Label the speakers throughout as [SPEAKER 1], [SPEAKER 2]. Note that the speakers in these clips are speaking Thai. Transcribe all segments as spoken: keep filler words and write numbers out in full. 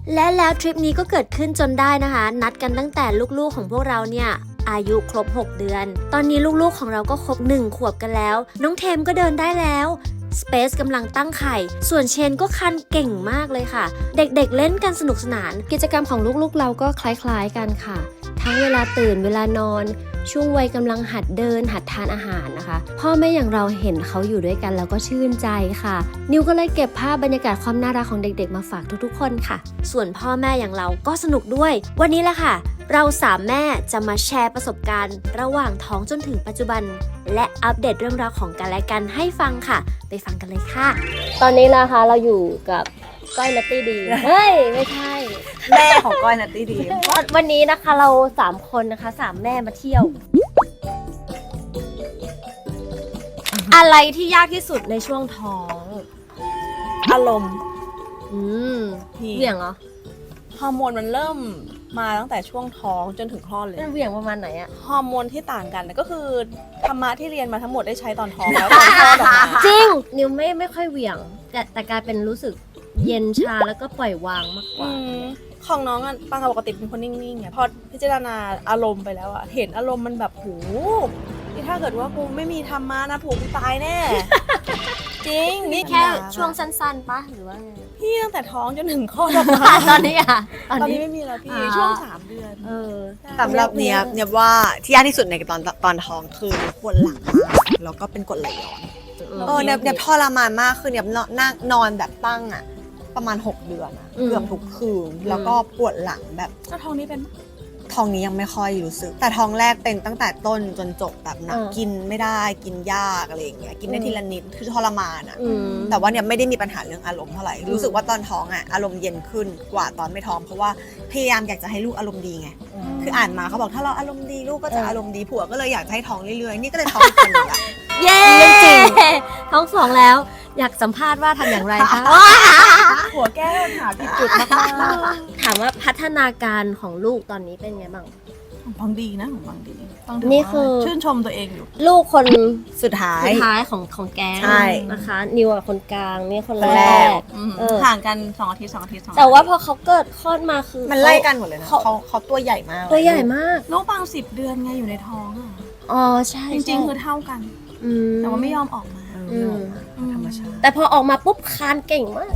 [SPEAKER 1] และแล้วทริปนี้ก็เกิดขึ้นจนได้นะคะนัดกันตั้งแต่ลูกๆของพวกเราเนี่ยอายุครบหกเดือนตอนนี้ลูกๆของเราก็ครบหนึ่งขวบกันแล้วน้องเทมก็เดินได้แล้วสเปซกำลังตั้งไข่ส่วนเชนก็คันเก่งมากเลยค่ะเด็กๆเล่นกันสนุกสนานกิจกรรมของลูกๆเราก็คล้ายๆกันค่ะทั้งเวลาตื่นเวลานอนช่วงวัยกำลังหัดเดินหัดทานอาหารนะคะพ่อแม่อย่างเราเห็นเขาอยู่ด้วยกันแล้วก็ชื่นใจค่ะนิวก็เลยเก็บภาพบรรยากาศความน่ารักของเด็กๆมาฝากทุกๆคนค่ะส่วนพ่อแม่อย่างเราก็สนุกด้วยวันนี้แหละค่ะเราสามแม่จะมาแชร์ประสบการณ์ระหว่างท้องจนถึงปัจจุบันและอัปเดตเรื่องราวของกันและกันให้ฟังค่ะไปฟังกันเลยค่ะตอนนี้นะคะเราอยู่กับก้อยนัตตี้ดีเฮ้ยไม่ใช่
[SPEAKER 2] แม่ของก้อยนัตตี้ดี
[SPEAKER 1] วันนี้นะคะเราสามคนนะคะสามแม่มาเที่ยวอะไรที่ยากที่สุดในช่วงท้อง
[SPEAKER 2] อารมณ์
[SPEAKER 1] อืมเหวี่ยงเหรอ
[SPEAKER 2] ฮอร์โมนมันเริ่มมาตั้งแต่ช่วงท้องจนถึงคลอดเลย
[SPEAKER 1] มันเหวี่ยงประมาณไหนอะ
[SPEAKER 2] ฮอร์โมนที่ต่างกันก็คือธรรมะที่เรียนมาทั้งหมดได้ใช้ตอนท้องแล้วตอนคลอดออกมา
[SPEAKER 1] จริงนิวไม่ไม่ค่อยเหวี่ยงแต่แต่กลายเป็นรู้สึกเย็นชาแล้วก็ปล่อยวางมากกว่า
[SPEAKER 2] ของน้องอ่ะปางปกติเป็นคนนิ่งๆไงพอพิจารณาอารมณ์ไปแล้วอ่ะเห็นอารมณ์มันแบบโหนี่ถ้าเกิดว่ากูไม่มีธรรมะนะผูกตายแน่จริง
[SPEAKER 1] นี่แค่ช่วงสั้นๆปะหรือว่าไง
[SPEAKER 2] พี่ตั้งแต่ท้องจนถึงคลอดออกมา
[SPEAKER 1] ตอนนี้อ่ะ
[SPEAKER 2] ตอนนี้ไม่มีแล้วพี่ช่วงสามเดือน
[SPEAKER 1] เออ
[SPEAKER 3] สำหรับเนี้ยเนี้ยว่าที่ยากที่สุดในตอนตอนท้องคือปวดหลังมากแล้วก็เป็นกรดไหลย้อนเออเนี้ยเนี้ยทรมานมากคือเนี้ยนั่งนอนแบบตั้งอ่ะประมาณหกเดือนอะเกือบทุกคืนแล้วก็ปวดหลังแบบ
[SPEAKER 2] แล้วท้องนี้เป็น
[SPEAKER 3] ท้องนี้ยังไม่ค่อยรู้สึกแต่ท้องแรกเป็นตั้งแต่ต้นจนจบแบบหนักกินไม่ได้กินยากอะไรอย่างเงี้ยกินได้ทีละนิดคือทรมานอะแต่ว่าเนี่ยไม่ได้มีปัญหาเรื่องอารมณ์เท่าไหร่รู้สึกว่าตอนท้องอะอารมณ์เย็นขึ้นกว่าตอนไม่ท้องเพราะว่าพยายามอยากจะให้ลูกอารมณ์ดีไงคืออ่านมาเขาบอกถ้าเราอารมณ์ดีลูกก็จะอารมณ์ดีผัวก็เลยอยากให้ท้องเรื่อยๆนี่ก็เลยท้องอีกคนนึงอะ
[SPEAKER 1] เย้จริงท้องสองแล้วอยากสัมภาษณ์ว่าทำอย่างไรคะ
[SPEAKER 2] หัวแก้ปัญหาผิดจุดมาก
[SPEAKER 1] ๆถามว่าพัฒนาการของลูกตอนนี้เป็นไงบ้าง
[SPEAKER 2] ของบางดีนะของบางดี
[SPEAKER 1] นี่คือ
[SPEAKER 2] ชื่นชมตัวเองอยู่
[SPEAKER 1] ลูกคน
[SPEAKER 3] สุดท้าย
[SPEAKER 1] สุดท้ายของของแกงนะคะนิวคนกลางนี่คนแรก
[SPEAKER 2] ห่างกันสองอาทิตย์สองอาทิตย์
[SPEAKER 1] แต่ว่าพอเขาเกิดคลอดมาคือ
[SPEAKER 3] มันไล่กันหมดเลยนะเขาเขาตัวใหญ่มาก
[SPEAKER 1] ตัวใหญ่มาก
[SPEAKER 2] น้องปางสิบเดือนไงอยู่ในท้องอ่ะ
[SPEAKER 1] อ๋อใช่
[SPEAKER 2] จริงๆคือเท่ากันแต่ว่าไม่ยอมออกมา
[SPEAKER 3] ธรรมชาติ
[SPEAKER 1] แต่พอออกมาปุ๊บคานเก่งมาก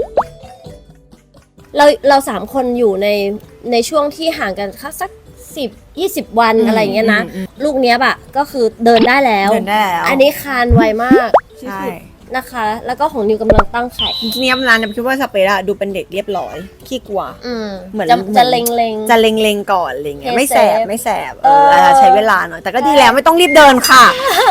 [SPEAKER 1] เราเราสามคนอยู่ในในช่วงที่ห่างกันสักสิบยี่สิบวันอะไรอย่างเงี้ยนะลูกเนี้ยบะก็คือเดินได้แล้ว
[SPEAKER 3] เดินได้แล้ว
[SPEAKER 1] อันนี้คานไวมาก
[SPEAKER 3] ใช่
[SPEAKER 1] นะคะแล้วก็ของนิวกำลังตั้งไข่
[SPEAKER 3] เนียมร้านเนี่ยคิดว่าสเปร่าดูเป็นเด็กเรียบร้อยขี้กลัว
[SPEAKER 1] เหมือนจะเล็งเล็ง
[SPEAKER 3] จะเล็งเล็งก่อนอะไรเงี้ยไม่แสบไม่แสบเออใช้เวลาหน่อยแต่ก็ดีแล้วไม่ต้องรีบเดินค่ะ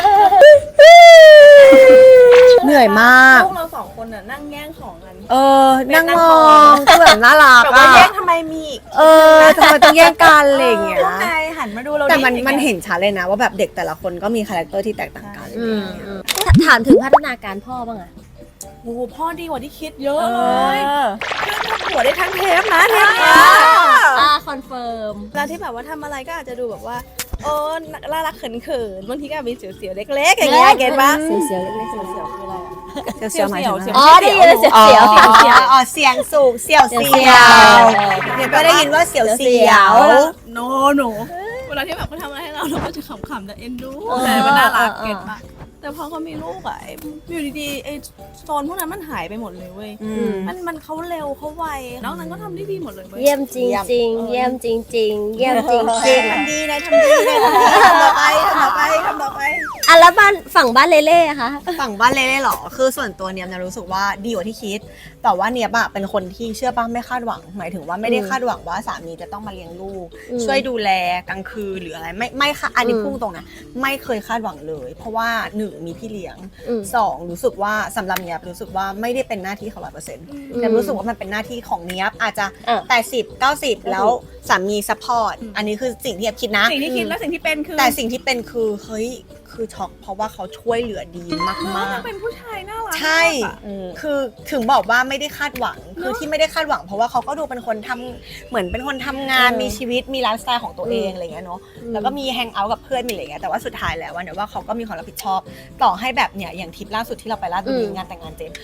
[SPEAKER 3] เหนื่อยมาก
[SPEAKER 2] พวกเราสองคนน่ะนั่งแย่งของกัน
[SPEAKER 3] เออนั่งมองคือแบบน่ารัก
[SPEAKER 2] อ่ะแย่งทำไมมี
[SPEAKER 3] เออทำไมต้องแย่งกันอะไรเงี้ย
[SPEAKER 2] นายหันมาดูเรา
[SPEAKER 3] แต่มันมันเห็นชัดเลยนะว่าแบบเด็กแต่ละคนก็มีคาแรคเตอร์ที่แตกต่างกัน
[SPEAKER 1] ถามถึงพัฒนาการพ่อบ้างอะ
[SPEAKER 2] โอ้พ่อดีกว่าที่คิดเยอะเลยทำหัวได้ทั้งเทปนะเทปนี้
[SPEAKER 1] อ่าคอนเฟิร์ม
[SPEAKER 2] แล้วที่แบบว่าทำอะไรก็อาจจะดูแบบว่าโอ้น่ารักเขินๆบางทีก็มีเสียวๆเล็กๆอย่างเงี้ยเก็ตปะ
[SPEAKER 1] เสียวๆเล็กๆเสียวๆคืออะไร
[SPEAKER 3] เสียวๆหมายถึง
[SPEAKER 1] อ๋อได้ยินเสียวๆเสียว
[SPEAKER 3] อ๋อเสียงสูงเสียวเสียวเนี่ยก็ได้ยินว่าเสียวเสียว
[SPEAKER 2] โนโนเวลาที่แบบเขาทำอะไรให้เราเราก็จะขำๆแต่เอ็นดูแต่มันน่ารักเก็ตปะแต่พอเขามีลูกอะอยู่ดีๆไอ้โซนพวกนั้นมันหายไปหมดเลยเว้ยมันมันเขาเร็วเขาไวน้องนั้นก็ทำได้ดีหมดเลยเว้ย
[SPEAKER 1] เยี่ยมจริงจริงเยี่ยมจริงจริงเยี่ยมจริงจริง
[SPEAKER 2] ทำดีนะทำดีนะทำต่อไปทำต่อไปทำต่อไป
[SPEAKER 1] อ่ะแล้วบ้านฝั่งบ้านเล่เล่อะคะ
[SPEAKER 3] ฝั่งบ้านเล่เล่หรอคือส่วนตัวเนียมนะรู้สึกว่าดีกว่าที่คิดแต่ว่าเนียบอะเป็นคนที่เชื่อป่ะไม่คาดหวังหมายถึงว่าไม่ได้คาดหวังว่าสามีจะต้องมาเลี้ยงลูกช่วยดูแลกลางคืนหรืออะไรไม่ไม่ค่ะอันนี้พุ่งตรงนะไม่เคยคาดหวังเลยเพราะว่าหนึ่งมีพี่เลี้ยงสองรู้สึกว่าสำหรับเนียบรู้สึกว่าไม่ได้เป็นหน้าที่ของร้อยเปอร์เซ็นต์แต่รู้สึกว่ามันเป็นหน้าที่ของเนียบอาจจะแปดสิบเก้าสิบแล้วสามีซัพพอร์ตอันนี้คือสิ่งที่เนียบคิดนะ
[SPEAKER 2] สิ่งที่คิดและสิ่งที่เป็นคือ
[SPEAKER 3] แต่สิ่งที่เป็นคือเฮ้ยคือช็อกเพราะว่าเขาช่วยเหลือดีมากมาก
[SPEAKER 2] เป็นผู้ชายน่ารัก
[SPEAKER 3] ใช่คือถึงบอกว่าไม่ได้คาดหวังคือที่ไม่ได้คาดหวังเพราะว่าเขาก็ดูเป็นคนทำเหมือนเป็นคนทำงานมีชีวิตมีไลฟ์สไตล์ของตัวเองอะไรเงี้ยเนาะแล้วก็มีแฮงเอาท์กับเพื่อนมีอะไรเงี้ยแต่ว่าสุดท้ายแล้วเนี่ยว่าเขาก็มีความรับผิดชอบต่อให้แบบเนี่ยอย่างทริปล่าสุดที่เราไปลาดบุรีงานแต่งงานเจม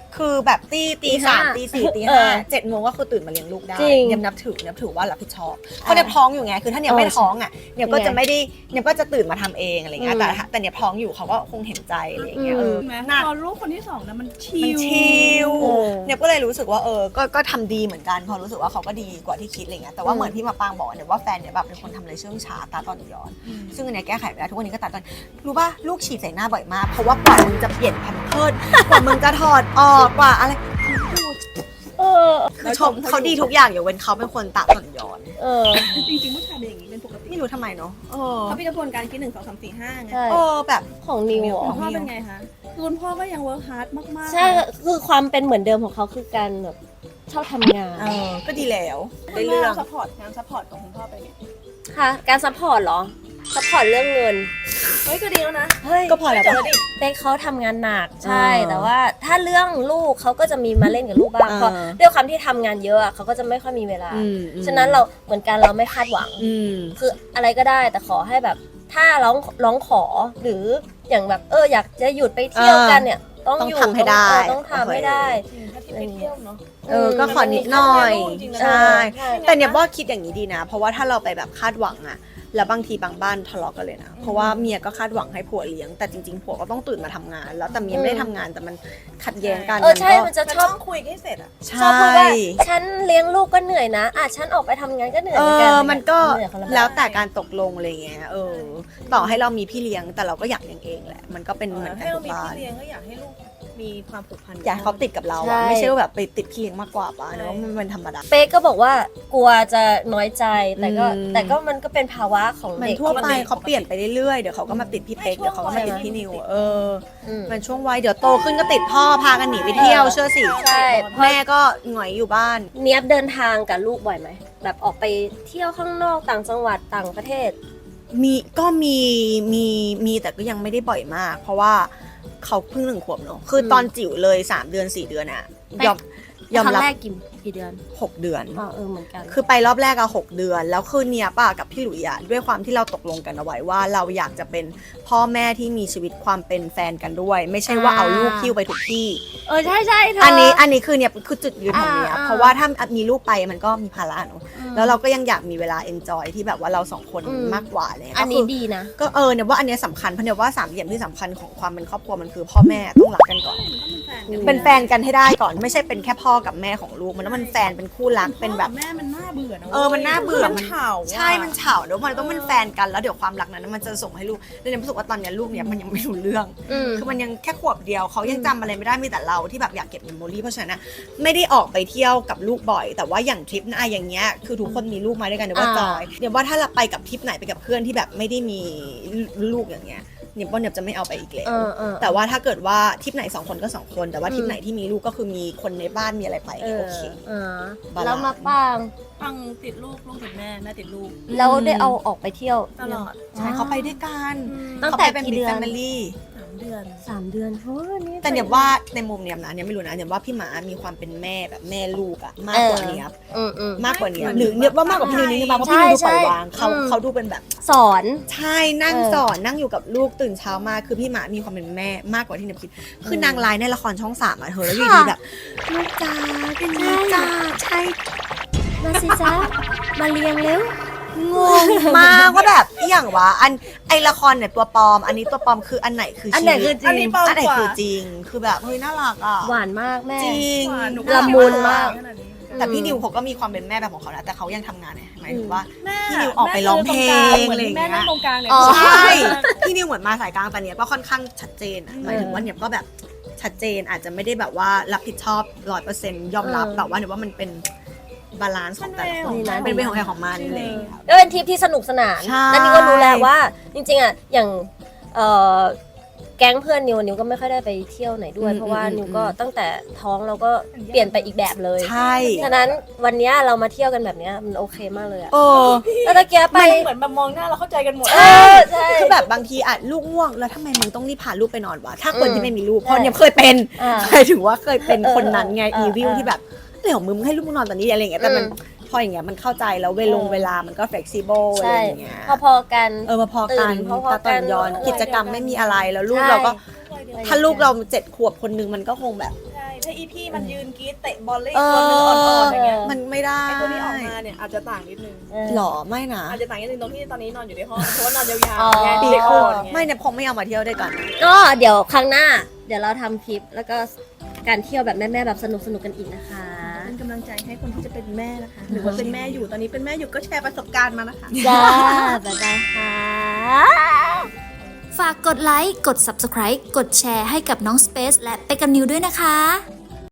[SPEAKER 3] คือแบบตีตีสามตีสี่ตี
[SPEAKER 1] เอ
[SPEAKER 3] ห้า
[SPEAKER 1] อ
[SPEAKER 3] เจ็ดโมงก็คือตื่นมาเลี้ยงลูกได้
[SPEAKER 1] จริง
[SPEAKER 3] เนี่ยนับถือเนี่ยถือว่ารับผิดชอบเพราะเนี่ยท้องอยู่ไงคือถ้าเนี่ยไม่ท้องอ่ะเนี่ยก็จะไม่ได้เนี่ยก็จะตื่นมาทำเองอะไรเงี้ย
[SPEAKER 1] อืม
[SPEAKER 3] แต่ถ้าแต่เนี่ยท้องอยู่เขาก็คงเห็นใจอะไรเงี้ย
[SPEAKER 1] อื
[SPEAKER 3] เอ
[SPEAKER 1] ม
[SPEAKER 3] อ
[SPEAKER 2] แม้
[SPEAKER 3] หนัก
[SPEAKER 2] ตอนลูกคนที่สองนะมันชิ
[SPEAKER 3] มัน
[SPEAKER 2] ล
[SPEAKER 3] ชิล
[SPEAKER 1] เออ
[SPEAKER 3] เนี่ยก็เลยรู้สึกว่าเออก็ก็ทำดีเหมือนกันพอรู้สึกว่าเขาก็ดีกว่าที่คิดอะไรเงี้ยแต่ว่าเหมือนที่มาปางบอกเนี่ยว่าแฟนเนี่ยแบบเป็นคนทำอะไรเชื่องช้าตาตอนย้อน
[SPEAKER 2] อืม
[SPEAKER 3] ซึ่งอันเนี้ยแก้ไขไม่ได้ทุกวันนี้ก็ตัดตอนรู้ป่ะลูกฉีดใส่หน้าบ่อยมากเพราะว่ากว่ามึงจะเปลี่ยนแพมเพิร์สกว่ามึงจะถอดออกกว่าอะไร
[SPEAKER 1] เออ
[SPEAKER 3] คือชมเขาดีทุกอย่างอย่าเว้นเขาเป็นคนตาตอนย้อน
[SPEAKER 1] เออ
[SPEAKER 2] จริงๆผู้ชายเป็นอย่างนี้เป็นปกติ
[SPEAKER 3] ไม่รู้ทำไมเนาะเออ
[SPEAKER 2] เขามีกระบวนการคิดหนึ่งสองสามสี่ห้าไง
[SPEAKER 1] ใช่
[SPEAKER 3] เออแบบ
[SPEAKER 1] ของนิวเหรอ
[SPEAKER 2] คุณพ่อเป็นไงคะคือคุณพ่อก็ยังเวิร์คฮาร์ดมากๆ
[SPEAKER 1] ใช่คือความเป็นเหมือนเดิมของเขาคือการแบบชอบทำงาน
[SPEAKER 3] เออก็ดีแล้ว
[SPEAKER 2] คุ
[SPEAKER 3] ได้
[SPEAKER 2] ณ
[SPEAKER 3] เรื่
[SPEAKER 2] แม่
[SPEAKER 3] อง
[SPEAKER 2] ซัพพอร์ตงานซัพพอร์ตของคุณพ่อเป็นไง
[SPEAKER 1] ค่ะการซัพพอร์ตเหรอซัพพอร์ตเรื่องเงิน
[SPEAKER 2] เฮ้ยก็ดีแล้วนะ
[SPEAKER 1] เฮ้ย
[SPEAKER 3] ก็พอแล้ว
[SPEAKER 2] เจ
[SPEAKER 3] ปะ
[SPEAKER 2] อดิ
[SPEAKER 1] เป๊กเขาทำงานหนักใช่
[SPEAKER 3] เออ
[SPEAKER 1] แต่ว่าถ้าเรื่องลูกเขาก็จะมีมาเล่นกับลูกบ้าง
[SPEAKER 3] เออ
[SPEAKER 1] เพราะด้วยความที่ทำงานเยอะอะเขาก็จะไม่ค่อยมีเวลา
[SPEAKER 3] อืมอืม
[SPEAKER 1] ฉะนั้นเราเหมือนกันเราไม่คาดหวัง
[SPEAKER 3] อืม
[SPEAKER 1] คืออะไรก็ได้แต่ขอให้แบบ ถ้าร้องร้องขอหรืออย่างแบบเอออยากจะหยุดไปเที่ยวกันเนี่ย ต้อง
[SPEAKER 3] ต้อง
[SPEAKER 1] อยู่
[SPEAKER 3] ทำให้ได้
[SPEAKER 1] เออต้องทำให้ได้
[SPEAKER 2] จริงถ้าที่ไปเที่ยวเนาะ
[SPEAKER 3] เออก็ขอนิดหน่อย
[SPEAKER 2] จริงๆนะ
[SPEAKER 3] ใช่
[SPEAKER 1] ใช่
[SPEAKER 3] แต่เนี่ยว่าคิดอย่างนี้ดีนะ เพราะว่าถ้าเราไปแบบคาดหวังอะแล้วบางทีบางบ้านทะเลาะกันเลยนะ เพราะว่าเมียก็คาดหวังให้ผัวเลี้ยง แต่จริงๆผัวก็ต้องตื่นมาทำงาน แล้วแต่เมียไม่ได้ทำงานแต่มันขัดแย้งกัน
[SPEAKER 1] เออใช่
[SPEAKER 3] ก็
[SPEAKER 1] มันจะ
[SPEAKER 2] มัน
[SPEAKER 1] ช
[SPEAKER 2] ต้
[SPEAKER 1] อ
[SPEAKER 2] อบ งคุยให้เสร็จอ่ะ
[SPEAKER 3] ใช
[SPEAKER 1] ชอบพูดว่า
[SPEAKER 3] ่
[SPEAKER 1] ฉันเลี้ยงลูกก็เหนื่อยนะอ่ะฉันออกไปทำงานก็เหนื่อย
[SPEAKER 3] เอ
[SPEAKER 1] เหมือนกัน
[SPEAKER 3] อ มันก็
[SPEAKER 1] เหนื่อยคนละแบบ
[SPEAKER 3] แล้วแต่การตกลงอะไรเงี้ย เออ ต่อให้เรามีพี่เลี้ยงแต่เราก็อยากเลี้ยงเองแหละ มันก็เป็นเหมือนกั
[SPEAKER 2] ให้
[SPEAKER 3] น
[SPEAKER 2] เรา
[SPEAKER 3] ทุก
[SPEAKER 2] มี
[SPEAKER 3] บ้า
[SPEAKER 2] พี่
[SPEAKER 3] น
[SPEAKER 2] เลี้ยงก็อยากให้ลูกมีความผูกพัน
[SPEAKER 3] อยากให้เขาติดกับเรา
[SPEAKER 1] ใช่
[SPEAKER 3] อะไม่ใช่ว่าแบบไปติดพี่เลี้ยงมากกว่าป่ะเนอะมันเป็นธรรมดา
[SPEAKER 1] เป๊กก็บอกว่ากลัวจะน้อยใจแต่ก็
[SPEAKER 3] อืม
[SPEAKER 1] แต่ก็มันก็เป็นภาวะของ
[SPEAKER 3] มัน
[SPEAKER 1] เด็ก
[SPEAKER 3] ทั่วไป
[SPEAKER 1] ที่
[SPEAKER 3] เขาเปลี่ยนไปเรื่อยๆ เดี๋ยวเขาก็มาติดพี่เป๊ก เดี๋ยวเขาก็มาติดพี่นิว เออ
[SPEAKER 1] อืม
[SPEAKER 3] มันช่วงวัย เดี๋ยวโตขึ้นก็ติดพ่อ พากันหนีไปเที่ยว เชื่อสิ
[SPEAKER 1] ใช่
[SPEAKER 3] แม่ก็หงอยอยู่บ้าน
[SPEAKER 1] เนียบเดินทางกับลูกบ่อยไหมแบบออกไปเที่ยวข้างนอกต่างจังหวัดต่างประเทศ
[SPEAKER 3] มีก็มีมีมีแต่ก็ยังไม่ได้บ่อยมาก เพราะว่าเขาเพิ่งหนึ่งขวบเนอะคืออ
[SPEAKER 1] ม
[SPEAKER 3] ตอนจิ๋วเลยสามเดือนสี่เดือนอะยอมยอม
[SPEAKER 1] ครั้
[SPEAKER 3] รับ
[SPEAKER 1] งแรกกี่กี่เดือน
[SPEAKER 3] หกเดือน
[SPEAKER 1] อ๋อเออเหมือนกัน
[SPEAKER 3] คือไปรอบแรกอะหกเดือน แล้วคือเนียป่ะกับพี่หลุยอะด้วยความที่เราตกลงกันเอาไว้ว่าเราอยากจะเป็นพ่อแม่ที่มีชีวิตความเป็นแฟนกันด้วย ไม่ใช่ว่า
[SPEAKER 1] อ่า
[SPEAKER 3] เอาลูกคิ้วไปทุกที่
[SPEAKER 1] เออใช่ใช่เธอ
[SPEAKER 3] อั
[SPEAKER 1] อั
[SPEAKER 3] นนี้อันนี้คือเนี่ยคือจุดยืนของเนีย
[SPEAKER 1] อ่าอ่า
[SPEAKER 3] เพราะว่าถ้ามีลูกไปมันก็มีภาระเนอะ
[SPEAKER 1] อืม
[SPEAKER 3] แล้วเราก็ยังอยากมีเวลาเอนจอยที่แบบว่าเราสองคน
[SPEAKER 1] อืม
[SPEAKER 3] มากกว่าอะไรเลย
[SPEAKER 1] อันนี้ดีนะ
[SPEAKER 3] ก็เออเนี่ยว่าอันเนี้ยสำคัญเพราะเนี่ยว่าสามเหลี่ยมที่สำคัญของความเป็นครอบครัวมันคือพ่อแม่ต้องรักกันก่อน
[SPEAKER 1] อืม
[SPEAKER 3] เป็นแฟนกันให้ได้ก่อนไม่ใช่เป็นแค่พ่อกับแม่ของลูกมันต้องเป็นแฟนเป็นคู่รักเป็นแบบ
[SPEAKER 2] แม่มันน่าเบื่อนะ
[SPEAKER 3] เออมันน่าเบื่อ
[SPEAKER 2] มันเฉาอะ
[SPEAKER 3] ใช่มันเฉาเดี๋ยวมันต้องเป็นแฟนกันแล้วเดี๋ยวความรักนั้นมันจะส่งให้ลูกแล้วเนี่ยรู้สึกว่าตอนเนี้ยลูกเนี่ยมันยังไม่รู้เรื่อง
[SPEAKER 1] อืม
[SPEAKER 3] คือมันยังแค่ขวบเดียวเขายังจำอะไรไม่ได้มีแต่เราที่แบบอยากเก็บเมมโมรี่เพราะฉะนั้นนะไม่ได้ออกไปเที่ยวกับลูกบ่อย แต่ว่าอย่างทริปนะอย่างเงี้ยคือทุกคนมีลูกมาด้วยกันเดี๋ยวว่า
[SPEAKER 1] อ่า
[SPEAKER 3] จอยเดี๋ยวว่าถ้าเราไปกับทริปไหนไปกับเพื่อนที่แบบไม่ได้มีลูกอย่างเงี้ยเนี่ยว่าเนี่ยจะไม่เอาไปอีกแล้ว
[SPEAKER 1] เออเออ
[SPEAKER 3] แต่ว่าถ้าเกิดว่าทริปไหนสองคนก็สองคนแต่ว่าทริปไหนที่มีลูกก็คือมีคนในบ้านมีอะไรไป
[SPEAKER 1] เออ
[SPEAKER 3] โอเค
[SPEAKER 1] เออบ
[SPEAKER 3] าลานซ์
[SPEAKER 1] แล้วมาป้าง
[SPEAKER 2] ฟังติดลูกลูกติดแม่แม่ติดลูก
[SPEAKER 1] แล้วได้เอาออกไปเที่ยว
[SPEAKER 2] ตลอด
[SPEAKER 3] ใช่เขาไปด้วยกัน
[SPEAKER 1] ตั้งแต่
[SPEAKER 3] ขาไปเป็น
[SPEAKER 1] กี่เดือน
[SPEAKER 3] แฟมิลี่
[SPEAKER 2] สามเดือน
[SPEAKER 1] สามเดือนเฮ้ยนี่
[SPEAKER 3] แต่เนี่ยว่าในมุมเนี่ยนะเนี่ยไม่รู้นะเนี่ยว่าพี่หมามีความเป็นแม่แบบแม่ลูกอะมากกว่าเนี้ย
[SPEAKER 1] อืมอืม
[SPEAKER 3] มากกว่าเนี้ย
[SPEAKER 2] ไม่
[SPEAKER 3] หรือเนี่ยว่ามากกว่าพี่นิวนิดนึงมาเพราะพี่นิวดูปล่อยวางเขา
[SPEAKER 1] ใช่
[SPEAKER 3] เขาดูเป็นแบบ
[SPEAKER 1] สอน
[SPEAKER 3] ใช่นั่ง
[SPEAKER 1] เออ
[SPEAKER 3] สอนนั่งอยู่กับลูกตื่นเช้ามาคือพี่หมามีความเป็นแม่มากกว่าที่เนี่ยคิดคือนางร้ายในละครช่องสามอะเธอแล้วอยู่ดีแบบลูกจ้าเป็นลูกจ้าใช่
[SPEAKER 1] มาสิจ๊ะมาเลี้ยงเร็ว
[SPEAKER 3] งงมากว่าแบบอหย่างวะอันไอละครเนี่ยตัวปลอม อันนี้ตัวปลอมคืออันไหนคือ
[SPEAKER 1] อัน
[SPEAKER 3] ชี
[SPEAKER 1] ไหน
[SPEAKER 3] วิต
[SPEAKER 1] คือจ
[SPEAKER 2] อัน
[SPEAKER 1] ริ
[SPEAKER 2] นี้
[SPEAKER 1] ง
[SPEAKER 2] ปลอม
[SPEAKER 3] อันไหน
[SPEAKER 2] กว่า
[SPEAKER 3] คือจริงคือแบบเฮ้ยน่ารักอ่ะ
[SPEAKER 1] หวานมากแม่
[SPEAKER 3] จริง
[SPEAKER 2] หวานหนู
[SPEAKER 1] ละมุนมาก
[SPEAKER 2] ขนาดนี้
[SPEAKER 3] แต่พี่นิวเขาก็มีความเป็นแม่แบบของเขานะแต่เขายังทำงานไงหมายถึงว่า
[SPEAKER 2] แม่
[SPEAKER 3] พี่นิวออกไปร้องเพลง
[SPEAKER 2] เหมือน
[SPEAKER 3] อะไรอย่างเงี้ย
[SPEAKER 2] แม่นั่งตรงกลางเนี่ย
[SPEAKER 1] อ๋อ
[SPEAKER 3] ใช่พี่นิวเหมือนมาสายกลางแต่เนี้ยก็ค่อนข้างชัดเจนอะหมายถึงว่าเนี่ยก็แบบชัดเจนอาจจะไม่ได้แบบว่ารับผิดชอบร้อยเปอร์เซ็นต์ยอมรับ
[SPEAKER 1] เออ
[SPEAKER 3] แต่ว่าเนี่ยว่ามันเป็นบาลานซ์ของแต่ละคน
[SPEAKER 1] มัน
[SPEAKER 3] เป็นเวของใครของมันอะไรอย่างเลยครับ
[SPEAKER 1] ก็เป็นทริปที่สนุกสนาน
[SPEAKER 3] ใช่
[SPEAKER 1] แล้วนี่ก็รู้แล้วว่า จริงๆอ่ะอย่างเอ่อแก๊งเพื่อนนิวนิวก็ไม่ค่อยได้ไปเที่ยวไหนด้วย
[SPEAKER 3] อืม
[SPEAKER 1] เพราะว่า
[SPEAKER 3] อืม
[SPEAKER 1] นิวก็
[SPEAKER 3] อืม
[SPEAKER 1] ตั้งแต่ท้องเราก็เปลี่ยนไปอีกแบบเลย
[SPEAKER 3] ใช่
[SPEAKER 1] ฉะนั้นวันเนี้ยเรามาเที่ยวกันแบบเนี้ยมันโอเคมากเลยอะ
[SPEAKER 3] เออ
[SPEAKER 1] แล้วตะเกียบไป
[SPEAKER 2] มันเหมือนแบบมองหน้าเราเข้าใจกันหมด
[SPEAKER 1] เออใช่
[SPEAKER 3] คือแบบบางทีอ่ะลูกง่วงแล้วทำไมมึงต้องรีบพาลูกไปนอนวะถ้าคน
[SPEAKER 1] อืม
[SPEAKER 3] ที่ไม่มีลูก
[SPEAKER 1] ใช่
[SPEAKER 3] เพราะเนี่ยเคยเป็น
[SPEAKER 1] อ่า
[SPEAKER 3] เคยถือว่าเคยเป็น
[SPEAKER 1] เออ
[SPEAKER 3] คนนั้นไง
[SPEAKER 1] เออ
[SPEAKER 3] อีวิล
[SPEAKER 1] เออ
[SPEAKER 3] ที่แบบเดี๋ยวมึงให้ลูกมึงนอนตอนนี้อะไรอย่างเงี้ยแต่มัน
[SPEAKER 1] อืม
[SPEAKER 3] พออย่างเงี้ยมันเข้าใจแล้วเวลง
[SPEAKER 1] เออ
[SPEAKER 3] เวลามันก็ flexible อะไร
[SPEAKER 1] ใช่
[SPEAKER 3] อย่างเงี้ย
[SPEAKER 1] พอๆกัน
[SPEAKER 3] เออมาพอกัน
[SPEAKER 1] ตื่นพอๆ
[SPEAKER 3] ตาตอนย้อน
[SPEAKER 1] กัน
[SPEAKER 3] กิจกรรมไม่มีอะไรแล้วลูก
[SPEAKER 1] ใช่
[SPEAKER 3] เราก็
[SPEAKER 1] ใช่
[SPEAKER 3] ถ้าลูกเราเจ็ดขวบคนนึงมันก็คงแบบ
[SPEAKER 2] ใช่ช่อีพี่มันยืนกรี๊ดเตะบอลเล่นตัวนึงอ่อนๆอย่างเงี้ย
[SPEAKER 3] มันไม่ได้
[SPEAKER 2] ไอตัวที่ออกมาเนี่ยอาจจะต่างนิดนึง
[SPEAKER 3] หรอไม่นะ
[SPEAKER 2] อาจจะต่างนิดนึงตรงที่ตอนนี้นอนอยู่ในห้องเพราะว่านอนยาว
[SPEAKER 1] อ๋อ
[SPEAKER 2] ๆไง
[SPEAKER 3] ปี
[SPEAKER 2] เด็ก
[SPEAKER 3] ครึ่
[SPEAKER 2] อ่
[SPEAKER 3] ง
[SPEAKER 2] อนไง
[SPEAKER 3] ไม่เนี่ยผมไม่เอามาเที่ยวด้วยกัน
[SPEAKER 1] ก็เดี๋ยวครั้งหน้า เดี๋ยวเราทำคลิปแล้วก็การเที่ยวแบบแม่ๆแบบสนุกสนุกๆกันอีกนะคะ
[SPEAKER 2] เป็นกำลังใจให้คนที่จะเป็นแม่นะคะ หรือว่าเป็นแม่อยู่ตอนนี้เป็นแม่อยู่ก็แชร์ประสบการณ์มานะคะ
[SPEAKER 1] จ้า บ๊ายบายค่ะ ฝากกดไลค์ กด Subscribe กดแชร์ให้กับน้อง Space และเปกันนิวด้วยนะคะ